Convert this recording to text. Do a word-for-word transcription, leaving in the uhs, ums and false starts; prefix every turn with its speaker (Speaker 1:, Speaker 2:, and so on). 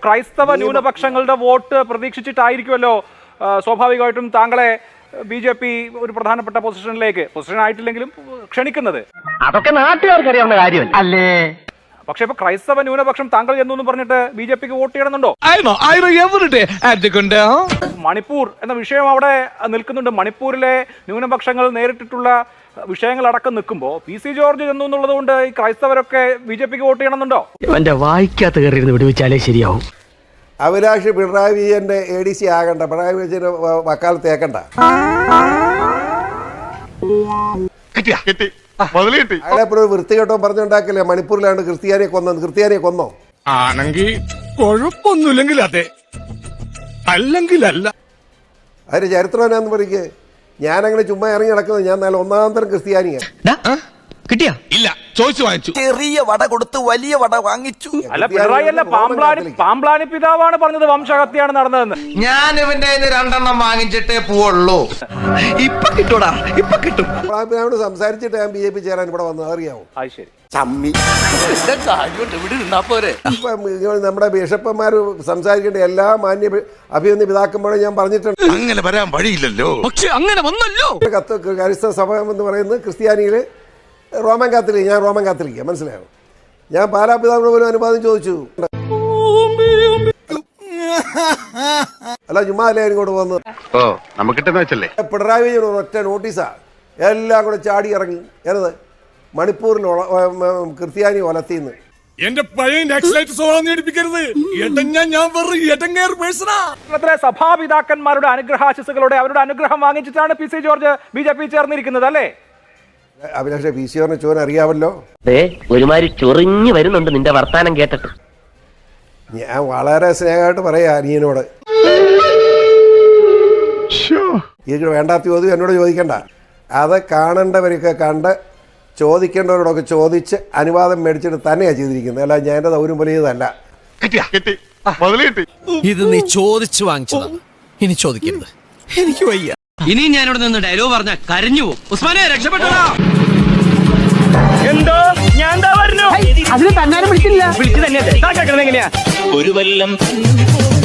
Speaker 1: ക്രൈസ്തവ ന്യൂനപക്ഷങ്ങളുടെ വോട്ട് പ്രതീക്ഷിച്ചിട്ടായിരിക്കുമല്ലോ സ്വാഭാവികമായിട്ടും താങ്കളെ ബി ജെ പി ഒരു പ്രധാനപ്പെട്ട പൊസിഷനിലേക്ക് പൊസിഷൻ ആയിട്ടില്ലെങ്കിലും ക്ഷണിക്കുന്നത്.
Speaker 2: അതൊക്കെ നാട്ടുകാർക്കറിയാവുന്ന കാര്യമല്ല അല്ലേ?
Speaker 1: പക്ഷെ ഇപ്പൊ ക്രൈസ്തവ ന്യൂനപക്ഷം താങ്കൾ എന്നൊന്നും പറഞ്ഞിട്ട് ബി ജെ പിക്ക് വോട്ട് ചെയ്യണമെന്നുണ്ടോ? മണിപ്പൂർ എന്ന വിഷയം അവിടെ നിൽക്കുന്നുണ്ട്. മണിപ്പൂരിലെ ന്യൂനപക്ഷങ്ങൾ നേരിട്ടിട്ടുള്ള വിഷയങ്ങളടക്കം നിൽക്കുമ്പോൾ പി സി ജോർജ് ചെന്നു എന്നുള്ളത് കൊണ്ട് ഈ ക്രൈസ്തവരൊക്കെ ബി ജെ പിക്ക് വോട്ട് ചെയ്യണമെന്നുണ്ടോ?
Speaker 2: എന്റെ വായിക്കാത്ത കയറി വിടുവിച്ചാലേ ശരിയാവും.
Speaker 3: അഭിലാഷ് പിണറായി വിജയന്റെ എ ഡി സി ആകണ്ട, പിണറായി വിജയന്റെ വക്കാലത്ത് ഏക്കണ്ട. അയാളെ ഒരു വൃത്തികെട്ടോ പറഞ്ഞുണ്ടാക്കില്ലേ മണിപ്പൂരിലാണ്ട് ക്രിസ്ത്യാനിയെ കൊന്നത്. ക്രിസ്ത്യാനിയെ കൊന്നോ?
Speaker 4: ആണെങ്കിൽ കുഴപ്പമൊന്നുമില്ലെങ്കിൽ അതെ, അല്ലെങ്കിൽ അല്ല.
Speaker 3: അതിന്റെ ചരിത്രം എന്നാന്ന് പറയ്ക്ക്. ഞാനങ്ങനെ ചുമ്മാ ഇറങ്ങി നടക്കുന്നത്. ഞാൻ നല്ല ഒന്നാം തരം ക്രിസ്ത്യാനിയാണ്.
Speaker 4: കിട്ടിയാ ഇല്ല, ചോദിച്ചു വാങ്ങിച്ചു.
Speaker 5: ചെറിയ വട കൊടുത്ത് വലിയ വട വാങ്ങിച്ചു.
Speaker 1: അല്ല, പിണറായി അല്ല, പാമ്പ്ലാനി പാമ്പ്ലാനി പിതാവാണ് പറഞ്ഞത് വംശഹത്യയാണ് നടന്നതെന്ന്.
Speaker 5: ഞാൻ ഇവന്റെ രണ്ടെണ്ണം വാങ്ങിച്ചിട്ടേ പോവുള്ളൂ. ഇപ്പൊ കിട്ടൂടാ, ഇപ്പൊ കിട്ടും.
Speaker 3: പാമ്പ്ലാനിയോട് സംസാരിച്ചിട്ട് ഞാൻ ബി ജെ പി ചേരാൻ ഇവിടെ വന്നത് അറിയാവോ?
Speaker 1: അത് ശരി.
Speaker 3: നമ്മുടെ ബിഷപ്പന്മാർ സംസാരിക്കേണ്ട എല്ലാ മാന്യ അഭിനന്ദ പിതാക്കന്മാരും ഞാൻ പറഞ്ഞിട്ടുണ്ട്.
Speaker 4: അങ്ങനെ വരാൻ വഴിയില്ലല്ലോ. പക്ഷെ അങ്ങനെ വന്നല്ലോ.
Speaker 3: കത്ത് ക്രൈസ്തവ സഭ എന്ന് പറയുന്നത് ക്രിസ്ത്യാനിയില് റോമൻ കാത്തലിക്. ഞാൻ റോമൻ കാത്തലിക്ക, മനസ്സിലായോ? ഞാൻ പാലാ പിതാവിനോട് പോലും അനുവാദം ചോദിച്ചു. അല്ല, ചുമ്മാ അല്ലേ ഇങ്ങോട്ട് വന്നത്. പിണറായി വിജയൻ ഒറ്റ നോട്ടീസാ എല്ലാം കൂടെ ചാടി ഇറങ്ങി. ഏത് മണിപ്പൂരിൽ ക്രിസ്ത്യാനി ഒലത്തിന്ന്.
Speaker 4: എന്റെ പഴയ
Speaker 1: സഭാപിതാക്കന്മാരുടെ അനുഗ്രഹാശിസുകളുടെ അവരുടെ അനുഗ്രഹം വാങ്ങിച്ചിട്ടാണ് P C George B J P ചേർന്നിരിക്കുന്നത് അല്ലേ?
Speaker 3: അഭിലാഷ്, പി സി ജോർജിനെ ചോൻ അറിയാമല്ലോ.
Speaker 2: ഒരുമാതിരി ചൊറിഞ്ഞു വരുന്നുണ്ട് നിന്റെ വർത്താനം കേട്ടിട്ട്.
Speaker 3: ഞാൻ വളരെ സ്നേഹമായിട്ട് പറയാ അനിയനോട്. ഇത് വേണ്ടാത്ത ചോദ്യം എന്നോട് ചോദിക്കണ്ട. അത് കാണേണ്ടവരൊക്കെ കണ്ട് ചോദിക്കേണ്ടവരോടൊക്കെ ചോദിച്ച് അനുവാദം മേടിച്ചിട്ട് തന്നെയാണ് ചെയ്തിരിക്കുന്നത്. അല്ല, ഞാൻ എൻ്റെ ദൗര്യം വലിയതല്ല.
Speaker 6: ഇത് നീ ചോദിച്ചു വാങ്ങിച്ചതാണ്, ഇനി ചോദിക്കരുത്. എനിക്ക് വയ്യ.
Speaker 7: ഇനി ഞാനിവിടെ നിന്ന് ഡയലോഗ് പറഞ്ഞ കരഞ്ഞു പോകും. ഉസ്മാനെ രക്ഷപ്പെട്ടോ.
Speaker 1: എന്തോ ഞാൻ എന്താ പറഞ്ഞു?
Speaker 2: അതിന് തന്നാലും വിളിച്ചില്ല.
Speaker 1: വിളിച്ചു തന്നെ എങ്ങനെയാ
Speaker 7: ഒരു വല്ലം